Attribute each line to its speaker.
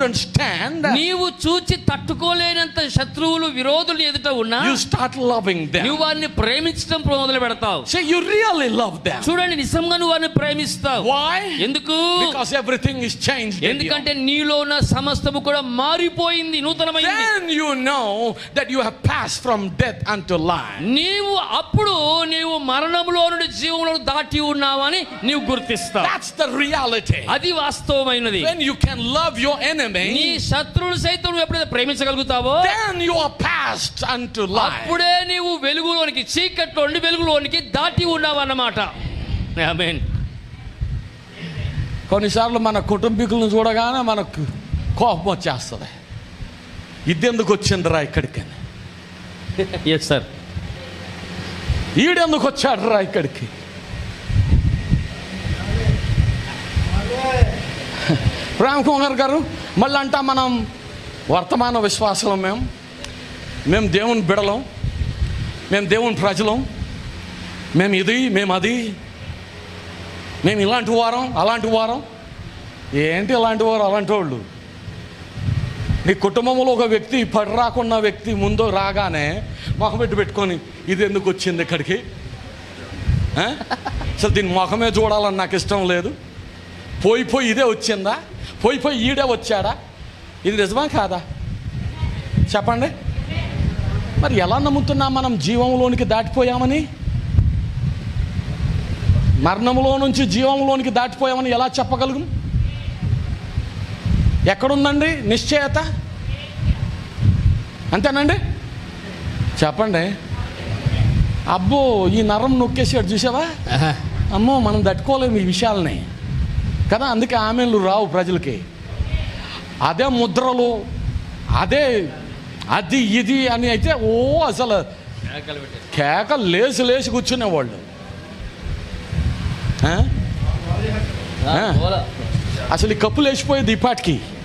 Speaker 1: couldn't stand,
Speaker 2: నీవు చూచి తట్టుకోలేనంత శత్రువులు విరోధులు ఎదుట ఉన్నా
Speaker 1: you start loving them.
Speaker 2: నువ్వు వారిని ప్రేమించడం మొదలు పెడతావు.
Speaker 1: Say you really love them.
Speaker 2: చూడండి, నిజంగా నువ్వు వారిని ప్రేమిస్తావు.
Speaker 1: Why?
Speaker 2: ఎందుకు?
Speaker 1: Because everything is changed.
Speaker 2: ఎందుకంటే నీలో ఉన్న సమస్తము కూడా మారిపోయింది, నూతనమైంది.
Speaker 1: Then you know that you have passed from death unto life.
Speaker 2: నీవు మరణంలో నుండి జీవంలో దాటి ఉన్నావని నీవు గుర్తిస్తావు.
Speaker 1: That's the reality.
Speaker 2: అది వాస్తవమైనది.
Speaker 1: When you can love your enemy,
Speaker 2: నీ శత్రువులు సైతం నువ్వు ఎప్పుడైతే ప్రేమించగలుగుతావో
Speaker 1: then you are passed unto life.
Speaker 2: అప్పుడే నీవు వెలుగులోనికి, చీకట్లో నుండి వెలుగులోనికి దాటి ఉన్నావు అన్నమాట. ఆమేన్.
Speaker 1: కొన్నిసార్లు మన కుటుంబీకులను చూడగానే మనకు కోపం వచ్చేస్తుంది. ఇదెందుకు వచ్చిందిరా ఇక్కడికి,
Speaker 2: ఎస్ సార్,
Speaker 1: ఈడెందుకు వచ్చాడు రా ఇక్కడికి. రామకుమార్ గారు మళ్ళీ అంటా మనం వర్తమాన విశ్వాసం, మేము దేవుని బిడలం, మేము దేవుని ప్రజలం, మేము ఇది, మేము అది, మేము ఇలాంటి వారం అలాంటి వారం. ఏంటి ఇలాంటి వారు అలాంటి వాళ్ళు? నీ కుటుంబంలో ఒక వ్యక్తి పడి రాకున్న వ్యక్తి ముందు రాగానే మొహం పెట్టుకొని ఇది ఎందుకు వచ్చింది ఇక్కడికి, అసలు దీని ముఖమే చూడాలని నాకు ఇష్టం లేదు, పోయి ఇదే వచ్చిందా, పోయి ఈడే వచ్చాడా, ఇది నిజమా కాదా చెప్పండి. మరి ఎలా నమ్ముతున్నాం మనం జీవంలోనికి దాటిపోయామని? మరణంలో నుంచి జీవంలోనికి దాటిపోయామని ఎలా చెప్పగలుగు? ఎక్కడుందండి నిశ్చయత? అంతేనండి, చెప్పండి. అబ్బో ఈ నరం నొక్కేసాడు చూసావా, అమ్మో మనం తట్టుకోలేము ఈ విషయాలని కదా. అందుకే ఆమెలు రావు ప్రజలకి. అదే ముద్రలు, అదే అది ఇది అని అయితే అసలు కేకలు లేచి కూర్చునేవాళ్ళు. అసలు ఈ కప్పులు వేసిపోయేది ఈ పాటికి.